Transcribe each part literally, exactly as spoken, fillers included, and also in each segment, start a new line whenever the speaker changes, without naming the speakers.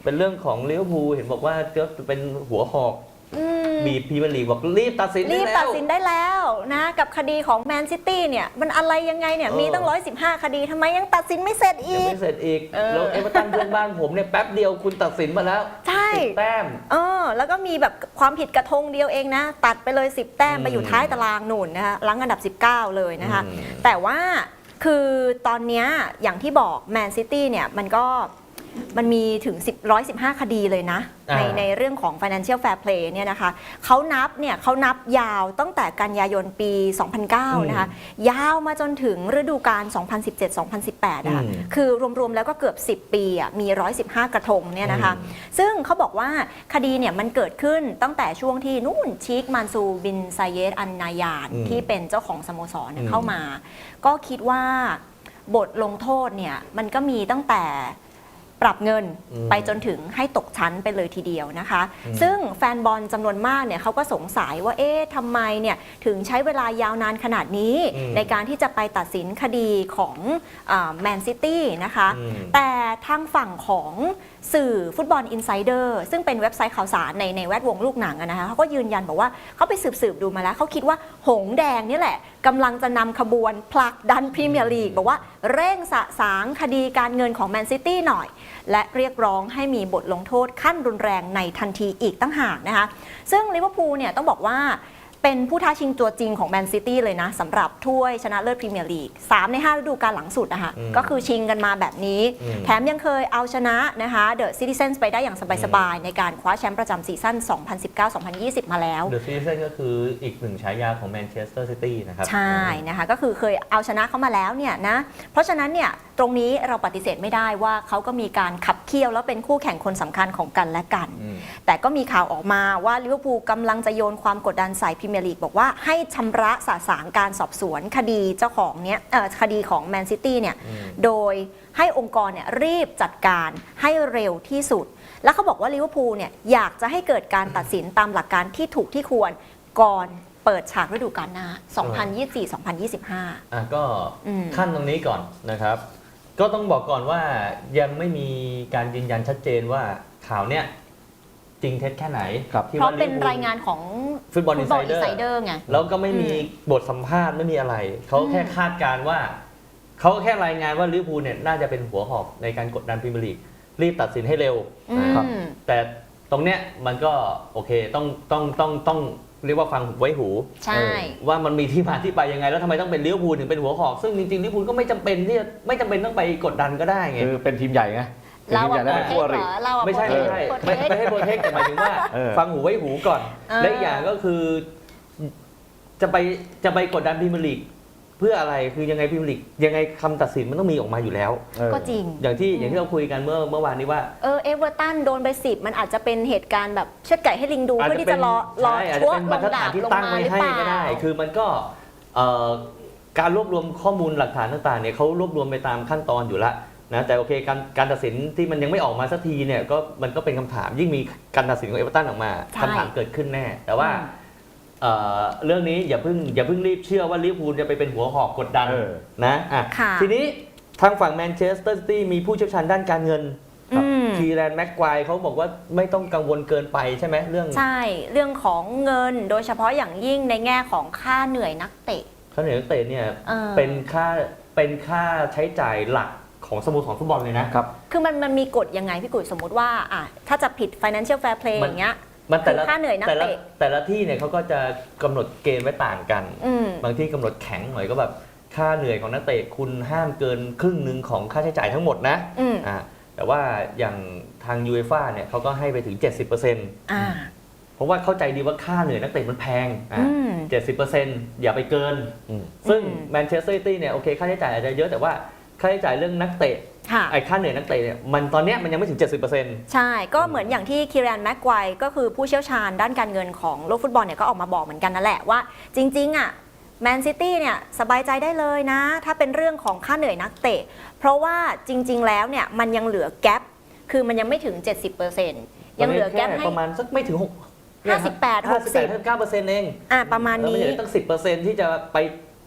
เป็นเรื่องของลิเวอร์พูลเห็นบอกว่าจะเป็นหัวหอกบีบพรีเมียร์ลีกบอกรีบตัดสินได้แล้ว
รีบตัดสินได้แล้วนะกับคดีของแมนซิตี้เนี่ยมันอะไรยังไงเนี่ยมีตั้งร้อยสิบห้าคดีทำไมยังตัดสินไม่เสร็จอีก
ยังไม่เสร็จอีกแล้วเอเวอร์ตันเพื่อนบ้านผมเนี่ยแป๊บเดียวคุณตัดสินมาแล้ว
ใช่
สิบแต้ม
เออแล้วก็มีแบบความผิดกระทงเดียวเองนะตัดไปเลยสิบแต้มไปอยู่ท้ายตารางหนุนนะคะหลังอันดับสิบเก้าเลยนะคะแต่ว่าคือตอนนี้อย่างที่บอกแมนซิตี้เนี่ยมันก็มันมีถึงหนึ่งร้อยสิบห้าคดีเลยนะในในเรื่องของ Financial Fair Play เนี่ยนะคะเขานับเนี่ยเขานับยาวตั้งแต่กันยายนปี สองพันเก้า นะคะยาวมาจนถึงฤดูกาล สองพันสิบเจ็ด สองพันสิบแปด นะคะคือรวมๆแล้วก็เกือบสิบปีอ่ะมีหนึ่งร้อยสิบห้ากระทงเนี่ยนะคะซึ่งเขาบอกว่าคดีเนี่ยมันเกิดขึ้นตั้งแต่ช่วงที่นู่นชีคมันซูบินไซเยดอันนายานที่เป็นเจ้าของสโมสรเข้ามาก็คิดว่าบทลงโทษเนี่ยมันก็มีตั้งแต่ปรับเงินไปจนถึงให้ตกชั้นไปเลยทีเดียวนะคะซึ่งแฟนบอลจำนวนมากเนี่ยเขาก็สงสัยว่าเอ๊ะทำไมเนี่ยถึงใช้เวลายาวนานขนาดนี้ในการที่จะไปตัดสินคดีของแมนซิตี้นะคะแต่ทางฝั่งของสื่อฟุตบอลอินไซเดอร์ซึ่งเป็นเว็บไซต์ข่าวสารในในแวดวงลูกหนังนะคะเขาก็ยืนยันบอกว่าเขาไปสืบสืบดูมาแล้วเขาคิดว่าหงแดงนี่แหละกำลังจะนำขบวนผลักดันพรีเมียร์ลีกบอกว่าเร่งสะสางคดีการเงินของแมนซิตี้หน่อยและเรียกร้องให้มีบทลงโทษขั้นรุนแรงในทันทีอีกตั้งหากนะคะซึ่งลิเวอร์พูลเนี่ยต้องบอกว่าเป็นผู้ท้าชิงตัวจริงของแมนซิตี้เลยนะสำหรับถ้วยชนะเลิศพรีเมียร์ลีกสามในห้าฤดูกาลหลังสุดนะคะก็คือชิงกันมาแบบนี้แถมยังเคยเอาชนะนะคะเดอะซิติเซนส์ไปได้อย่างสบายๆในการคว้าแชมป์ประจำซีซั่น สองพันสิบเก้า สองพันยี่สิบ มาแล้ว
เดอะซิติเซนส์ก็คืออีกหนึ่งฉายาของแมนเชสเตอร์ซิตี้นะครับ
ใช่นะคะก็คือเคยเอาชนะเขามาแล้วเนี่ยนะเพราะฉะนั้นเนี่ยตรงนี้เราปฏิเสธไม่ได้ว่าเขาก็มีการขับเคี่ยวแล้วเป็นคู่แข่งคนสำคัญของกันและกันแต่ก็มีข่าวออกมาว่าลิเวอร์พูลกำลังจะโยนความกดดันใส่พรีเมียร์ลีกบอกว่าให้ชำระสะสางการสอบสวนคดีเจ้าของเนี้ยคดีของแมนซิตี้เนี่ยโดยให้องค์กรเนี่ยรีบจัดการให้เร็วที่สุดแล้วเขาบอกว่าลิเวอร์พูลเนี่ยอยากจะให้เกิดการตัดสินตามหลักการที่ถูกที่ควรก่อนเปิดฉากฤดูกาลหน้า สองพันยี่สิบสี่ สองพันยี่สิบห้า
อ่ะก็ขั้นตรงนี้ก่อนนะครับก็ต้องบอกก่อนว่ายังไม่มีการยืนยันชัดเจนว่าข่าวเนี้ยจริงเท็จแค่ไหน
เพราะเป็นรายงานของ
ฟุตบอลอินไซเดอร์ไงแล้วก็ไม่มีบทสัมภาษณ์ไม่มีอะไรเขาแค่คาดการณ์ว่าเขาแค่รายงานว่าลิเวอร์พูลเนี่ยน่าจะเป็นหัวหอกในการกดดันพรีเมียร์ลีกรีบตัดสินให้เร็วครับแต่ตรงเนี้ยมันก็โอเคต้องต้องต้องต้องเรียกว่าฟังไว้หู
ใช่
ว่ามันมีที่มาที่ไปยังไงแล้วทำไมต้องเป็นลิเวอร์พูลถึงเป็นหัวหอกซึ่งจริงๆลิเวอร์พูลก็ไม่จำเป็นที่จะไม่จำเป็นต้องไปกดดันก็ได้ไง
คือเป็นทีมใหญ่ไง
เราอะโปรเทคเหรอ
ไม่ใช่ไม่ใช่ไม่ไม่ให้โปรเทคแต่หมายถึงว่าฟังหูไว้หูก่อนและอีกอย่างก็คือจะไปจะไปกดดันพรีเมียร์ลีกเพื่ออะไรคือยังไงพรีเมียร์ลีกยังไงคำตัดสินมันต้องมีออกมาอยู่แล้ว
ก็จริง
อย่างที่อย่างที่เราคุยกันเมื่อเมื่อวานนี้ว่า
เออเอเวอร์ตันโดนไปสิบมันอาจจะเป็นเหตุการณ์แบบเชือดไก่ให้ลิงดูเพื่อที่จะรอรอชั่วลงดาบลงมาหรือเปล่า
ก็ได้คือมันก็การรวบรวมข้อมูลหลักฐานต่างๆเนี่ยเขารวบรวมไปตามขั้นตอนอยู่แล้วนะแต่โอเคการการตัดสินที่มันยังไม่ออกมาสักทีเนี่ยก็มันก็เป็นคำถามยิ่งมีการตัดสินของเอเวอร์ตันออกมาคำถามเกิดขึ้นแน่แต่ว่าเ, เรื่องนี้อย่าเพิ่งอย่าเพิ่งรีบเชื่อว่าลิเวอร์พูลจะไปเป็นหัวหอกกดดันนะอ่ะทีนี้ทางฝั่งแมนเชสเตอร์ซิตี้มีผู้เชี่ยวชาญด้านการเงินคีแรนแม็กควายเขาบอกว่าไม่ต้องกังวลเกินไปใช่ไหมเรื่อง
ใช่เรื่องของเงินโดยเฉพาะอย่างยิ่งในแง่ของค่าเหนื่อยนักเตะ
ค่าเหนื่อยนักเตะเนี่ยเป็นค่าเป็นค่าใช้จ่ายหลักของสโมสรฟุตบอลเลยนะครับ
คือมันมันมีกฎยังไงพี่กุ๋ยสมมติว่าอ่ะถ้าจะผิด Financial Fair Play อย่างเงี้ย
มันแต่ละ
ค่าเหนื่อยนักเตะ
แต่ละที่เนี่ยเขาก็จะกำหนดเกณฑ์ไว้ต่างกันบางที่กำหนดแข็งหน่อยก็แบบค่าเหนื่อยของนักเตะคุณห้ามเกินครึ่งหนึ่งของค่าใช้จ่ายทั้งหมดนะอ่าแต่ว่าอย่างทางยูเอฟ่าเนี่ยเขาก็ให้ไปถึง เจ็ดสิบเปอร์เซ็นต์
อ่า
เพราะว่าเข้าใจดีว่าค่าเหนื่อยนักเตะมันแพงอ่า เจ็ดสิบเปอร์เซ็นต์ อย่าไปเกินซึ่งแมนเชสเตอร์ซิตี้เนี่ยโอเคค่าใช้จ่ายอาจจะเยอะแต่ว่าค่าใช้จ่ายเรื่องนักเตะไอ้ค่าเหนื่อยนักเตะเนี่ยมันตอนนี้มันยังไม่ถึง เจ็ดสิบเปอร์เซ็นต์
ใช่ก็เหมือนอย่างที่คีแรนแม็กควายก็คือผู้เชี่ยวชาญด้านการเงินของโลกฟุตบอลเนี่ยก็ออกมาบอกเหมือนกันนั่นแหละว่าจริงๆอ่ะแมนซิตี้เนี่ยสบายใจได้เลยนะถ้าเป็นเรื่องของค่าเหนื่อยนักเตะเพราะว่าจริงๆแล้วเนี่ยมันยังเหลือแกปคือมันยังไม่ถึง เจ็ดสิบเปอร์เซ็นต์ ยังเหลือแกปให้
ประมาณสักไม่ถึงหก
ห้าสิบแปด หกสิบ
ห้าสิบแปด เก้าเปอร์เซ็นต์ เอง
อ่ะประมาณนี้
แล้วมันเหลือตั้ง สิบเปอร์เซ็นต์ ที่จะไป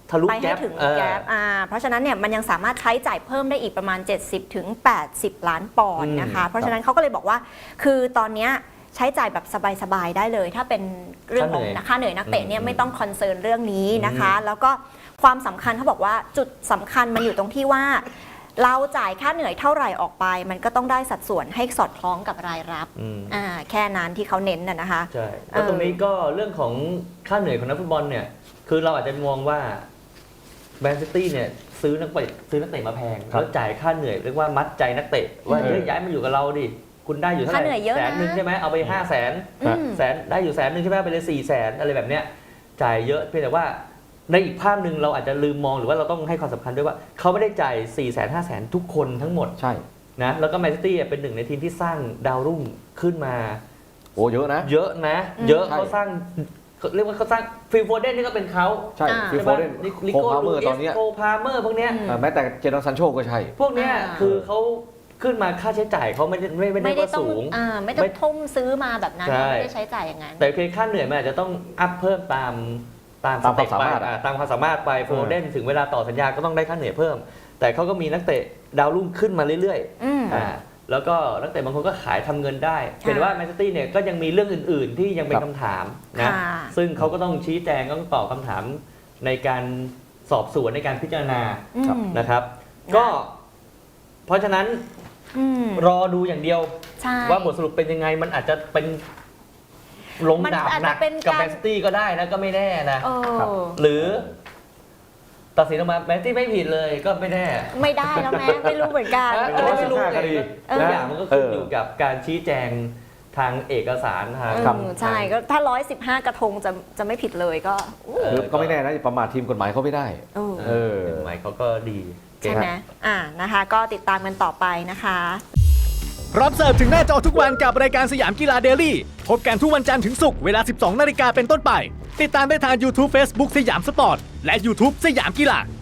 ทะลุ
ไปให้
แก๊ป
ถึง
เออ
แก๊ปอ่าเพราะฉะนั้นเนี่ยมันยังสามารถใช้จ่ายเพิ่มได้อีกประมาณ เจ็ดสิบถึงแปดสิบ ล้านปอนด์นะคะ เพราะฉะนั้นเขาก็เลยบอกว่าคือตอนเนี้ยใช้จ่ายแบบสบายๆได้เลย ถ้าเป็นเรื่องของค่าเหนื่อยนักเตะเนี่ยไม่ต้องคอนเซิร์นเรื่องนี้นะคะ แล้วก็ความสำคัญเขาบอกว่าจุดสำคัญมันอยู่ตรงที่ว่า เราจ่ายค่าเหนื่อยเท่าไหร่ออกไป มันก็ต้องได้สัดส่วนให้สอดคล้องกับรายรับ
อืม
อ่าแค่นั้นที่เขาเน้นน่ะนะคะ
ใช่แล้วตรงนี้ก็เรื่องของค่าเหนื่อยของนักฟุตบอลเนี่ยคือเราอาจจะมองว่าแมนซิตี้เนี่ยซื้อนักเตะซื้อนักเตะมาแพง
ครับ
แล้วจ่ายค่าเหนื่อยเรียกว่ามัดใจนักเตะว่า
อืม
เฮ้ยย้ายมาอยู่กับเราดิคุณได้อยู่เท่าไห
ค่าเหนื่
ร่
อยเยอะนะ
แสนหนึ่งใช่ไหมเอาไปห้าแสน
อืม
แสนได้อยู่แสนหนึ่งใช่ไหมไปเลยสี่แสนอะไรแบบเนี้ยจ่ายเยอะเพียงแต่ว่าในอีกภาพหนึ่งเราอาจจะลืมมองหรือว่าเราต้องให้ความสำคัญด้วยว่าเขาไม่ได้จ่ายสี่แสนห้าแสนทุกคนทั้งหมด
ใช่
นะแล้วก็แมนซิตี้เป็นหนึ่งในทีมที่สร้างดาวรุ่งขึ้นมา
โอ้เยอะนะ
เยอะนะ
อืม
เยอะ
ใช่
เขาสร้างเรียกว่าเขาสร้างฟิลโฟเดนนี่ก็เป็นเขา
ใช่
อ่า
ฟิลโฟเดน
ลิ
โค
โก้
พาเม
ลู
อร์
เอ
ตอน
ส
เนี้ย
โคพาเมอร์พวกเนี้ย
อืม
เอ่อแม้แต่เจดอนซันโชก็ใช่
พวกเนี้ย
อ่า
คือเขาขึ้นมาค่าใช้จ่ายเขาไม่ได้ไม่ไม่ได้
ไม่ได้
ว่า
ต้อง
สูง
อ่าไม่ต้อง
ไม่
ทุ่มซื้อมาแบบนั้น
ใช่
ไม่ได้ใช้จ่ายอย่างนั้น
แต่โอเคค่าเหนื่อยมันอาจจะต้องอัพเพิ่มตามตาม
ตาม
สเต็ป
ความสามารถ
ไป
อะ
อ่าตามความสามารถไปโฟเดนถึงเวลาต่อสัญญาก็ต้องได้ค่าเหนื่อยเพิ่ม แต่เขาก็มีนักเตะดาวรุ่งขึ้นมาเรื่อย
อืม
ๆอ่าแล้วก็นักเตะบางคนก็ขายทำเงินได้
ค่ะ
เห็นว่าแมนซิตี้เนี่ยก็ยังมีเรื่องอื่น ๆ ที่ยังเป็น
ครับ
คำถามนะ
ค่ะ
ซึ่งเขาก็ต้องชี้แจงต้องตอบคำถามในการสอบสวนในการพิจารณา
อืม
นะครับ
นะ
ก็เพราะฉะนั้น
อืม
รอดูอย่างเดียว
ใช่
ว่าบทสรุปเป็นยังไงมันอาจจะเป็นลง
มัน
ดาบ
อาจ
หนั
จะ
ก
เป็น
กับ
การ
แมนซิตี้ก็ได้นะก็ไม่แน่นะ
เออ
ครับ
หรือ ตัดสินออกมาแมนซิตี้ไม่ผิดเลยก็ไม่แน่
ไม่ได้แล้วแม่ไม่รู้เหมือนกัน
นะ
เอ
ก็
อ
ไม่รู้
คดี
ทุกอย่างมันก็ขึ้น
เออ
อ
อ
ยู่กับการชี้แจงทางเอกสารทาง
ครับ
อืมใช่ก็ถ้าร้อยสิบห้ากระทงจะจะไม่ผิดเลยก็อู้
เออ
คือก็ไม่แน่นะประมาททีมกฎหมายเขาไม่ได้
เออ
เออหมายเขาก็ดีเก่
ใช่
ง
ไหมอ่านะคะ ก็ติดตามกันต่อไปนะคะ
รับเสิร์ฟถึงหน้าจอทุกวันกับรายการสยามกีฬาเดลี่พบกันทุกวันจันทร์ถึงศุกร์เวลา สิบสองนาฬิกาเป็นต้นไป ติดตามได้ทาง YouTube Facebook สยามสปอร์ต และ YouTube สยามกีฬา